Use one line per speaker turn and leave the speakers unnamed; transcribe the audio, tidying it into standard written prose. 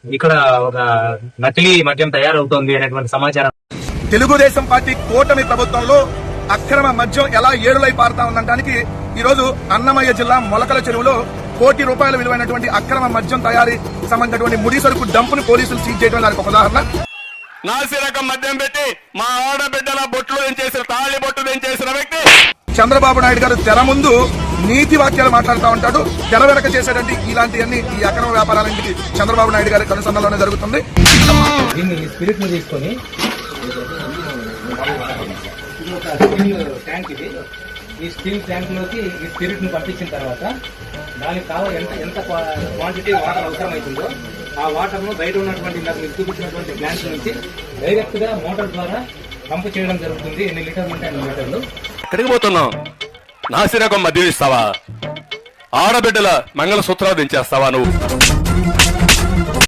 ఇక్కడ ఒక నకిలీ మద్యం తయారవుతోంది అనేటువంటి సమాచారం.
తెలుగుదేశం పార్టీ కూటమి ప్రభుత్వంలో అక్రమ మద్యం ఎలా ఏడులై పారుతా ఉందనడానికి ఈ రోజు అన్నమయ్య జిల్లా మొలకల చెరువులో ₹1 కోటి విలువైనటువంటి అక్రమ మద్యం తయారీ సంబంధించినటువంటి ముడి సరుకు డంపును పోలీసులు సీజ్ చేయడం దానికి ఒక ఉదాహరణ.
నాసి రకం మద్యం పెట్టి మా ఆడబిడ్డల బొట్లు చేసిన తాళి బొట్టు చేసిన వ్యక్తి
చంద్రబాబు నాయుడు గారు తెర ముందు నీతి వాక్యాలు మాట్లాడుతూ ఉంటాడు, తెర వెనక చేసేటువంటి ఇలాంటివన్నీ ఈ అక్రమ వ్యాపారాలన్నింటికి చంద్రబాబు నాయుడు గారి కనుసంధానంలోనే జరుగుతుంది.
దీన్ని స్పిరిట్ ను తీసుకొని ట్యాంక్ ఇది, ఈ స్టీల్ ట్యాంక్ లోకి ఈ స్పిరిట్ ను పంపించిన తర్వాత దానికి కావాలి ఎంత క్వాంటిటీ వాటర్ అవసరమవుతుందో ఆ వాటర్ ను బయట ఉన్నటువంటి మీకు చూపించినటువంటి ప్లాంట్ నుంచి డైరెక్ట్ గా మోటార్ ద్వారా పంపు చేయడం జరుగుతుంది. ఎన్ని లీటర్లు ఉంటాయి అన్ని లీటర్లు.
ఎక్కడికి పోతున్నావు? నాసి రకం మద్యం ఇస్తావా? ఆడబిడ్డల మంగళసూత్రాలు దించేస్తావా నువ్వు?